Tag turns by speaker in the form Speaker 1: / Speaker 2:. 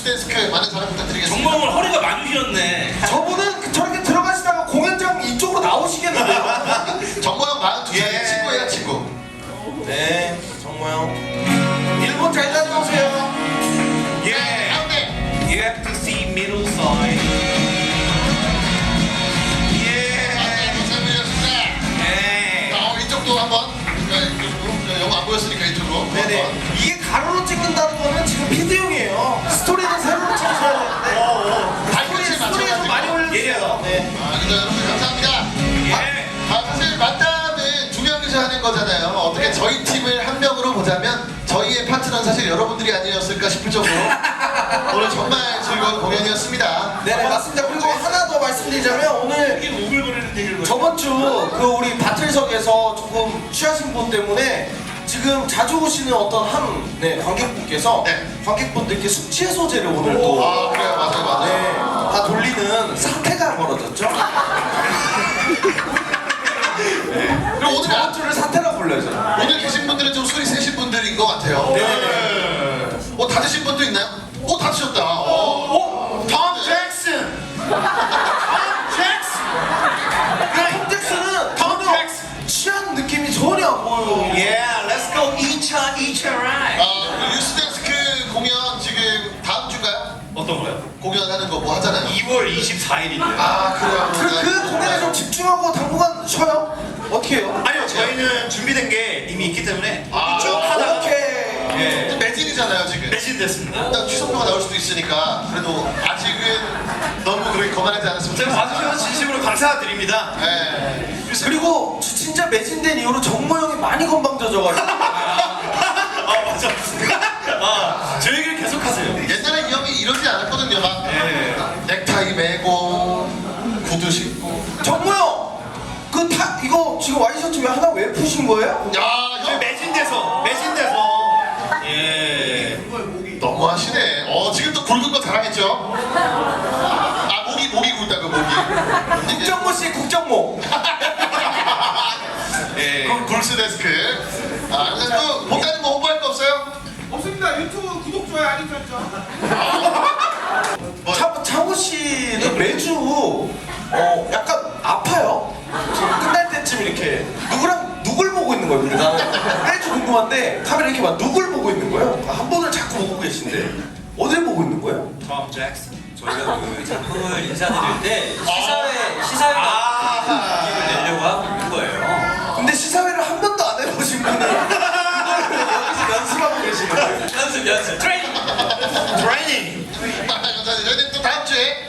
Speaker 1: 데스크 많은 사랑 부탁드리겠습니다.
Speaker 2: 정말 허리가 많이 휘었네.
Speaker 3: 저분은 저렇게 들어가시다가 공연장 이쪽으로 나오시겠는데요?
Speaker 1: 정모형 42살
Speaker 3: 예.
Speaker 1: 친구예요, 친구.
Speaker 3: 네, 정모형. 일본 잘 다녀오세요.
Speaker 2: Yeah.
Speaker 1: 가운데.
Speaker 2: You have to see middle side. Yeah.
Speaker 1: 감사드리겠습니다.
Speaker 2: Hey.
Speaker 1: 이쪽도 한번. 이쪽으로. 영어 안 보였으니까 이쪽으로.
Speaker 3: 네네.
Speaker 1: 한번.
Speaker 3: 이게 가로로 찍는다는 거는 지금 피드용이에요. 스토리는 세로로 찍으셔야 되는데.
Speaker 1: 발끝을
Speaker 3: 스토리에 좀 많이 올려주세요. 네.
Speaker 1: 그죠, 여러분 감사합니다.
Speaker 2: 예.
Speaker 1: 사실 만남은 두 명이서 하는 거잖아요. 어떻게 저희 팀을 한 명으로 보자면 저희의 파트너는 사실 여러분들이 아니었을까 싶을 정도로 오늘 정말 즐거운 공연이었습니다.
Speaker 3: 네네, 맞습니다. 그리고 하나 더 말씀드리자면 오늘
Speaker 2: 이게 오글거리는 얘기를
Speaker 3: 저번 주 그 우리 바틀석에서 조금 취하신 분 때문에 지금 자주 오시는 어떤 한 관객분께서
Speaker 1: 네.
Speaker 3: 관객분들께 숙취 해소제를 오늘 또
Speaker 1: 아 그래요, 맞아요, 맞아요.
Speaker 3: 네, 다 돌리는 사태가 벌어졌죠.
Speaker 1: 그럼 오늘
Speaker 3: 저번 주를 사태라고 불러야죠.
Speaker 1: 오늘 계신 분들은 좀 술이 세신 분들인 것 같아요.
Speaker 3: 네네네.
Speaker 1: 다 드신 분도 있나요? 다 드셨다.
Speaker 2: 톰 잭슨. 톰 잭슨.
Speaker 3: 톰 잭슨은
Speaker 2: 톰 잭슨.
Speaker 3: 취한 느낌이 전혀 안 보여요.
Speaker 2: Yeah, let's go 2차 right.
Speaker 1: 뉴스데스크 공연 지금 다음 주인가요?
Speaker 2: 어떤 거요?
Speaker 1: 공연하는 거 뭐 하잖아요.
Speaker 2: 2월 24일인데요.
Speaker 1: 아 그래요.
Speaker 3: 그 공연에 좀 집중하고 당분간 쉬어요? 어떻게 해요?
Speaker 2: 아니요, 저희는 준비된 게 이미 있기 때문에
Speaker 1: 아,
Speaker 2: 쭉 하다가
Speaker 3: 오케이.
Speaker 2: 예,
Speaker 1: 매진이잖아요 지금.
Speaker 2: 매진됐습니다.
Speaker 1: 일단 취소표가 나올 수도 있으니까 그래도 아직은 너무 그렇게 거만하지 않았으면
Speaker 2: 제가
Speaker 1: 좋겠습니다.
Speaker 2: 봐주셔서 진심으로 감사드립니다.
Speaker 1: 네.
Speaker 3: 그리고 진짜 매진된 이후로 정모형이 많이 건방져져가지고
Speaker 2: 아 맞아. 저 얘기를 계속 하세요.
Speaker 1: 옛날에 이 형이 이러지 않았거든요. 막
Speaker 2: 예.
Speaker 1: 넥타이 매고 구두 신고.
Speaker 3: 정모형! 이거 지금 와이셔츠 왜 하나 왜 푸신 거예요?
Speaker 1: 야,
Speaker 2: 저희
Speaker 1: 형
Speaker 2: 매진돼서. 예.
Speaker 1: 너무하시네. 지금 또 굵은 거 자랑했죠? 목이 굵다고 목이.
Speaker 3: 국정모 씨 국정모.
Speaker 2: 예.
Speaker 1: 굴스 데스크. 그래서 또 못하는 거 홍보할 거 없어요?
Speaker 4: 없습니다. 유튜브 구독, 좋아요, 알림 설정.
Speaker 3: 창호 씨는 매주 약간 아파요. 지금 끝날 때쯤 이렇게 누굴 보고 있는 거예요? 근데 나는 매주 궁금한데 카메라 이렇게 막 누굴 보고 있는 거예요? 한 분을 자꾸 보고 계신데 어딜 보고 있는 거예요?
Speaker 2: 톰 잭슨.
Speaker 5: 저희가 그 작품을 인사드릴 때 시사회 느낌을 내려고 하고 있는 거예요.
Speaker 3: 근데 시사회를 한 번도 안 해보신 분이 이걸 여기서 연습하고 계시는 거예요.
Speaker 5: 연습 트레이닝.
Speaker 2: 트레이닝.
Speaker 1: 감사합니다. 저희는 또 다음 주에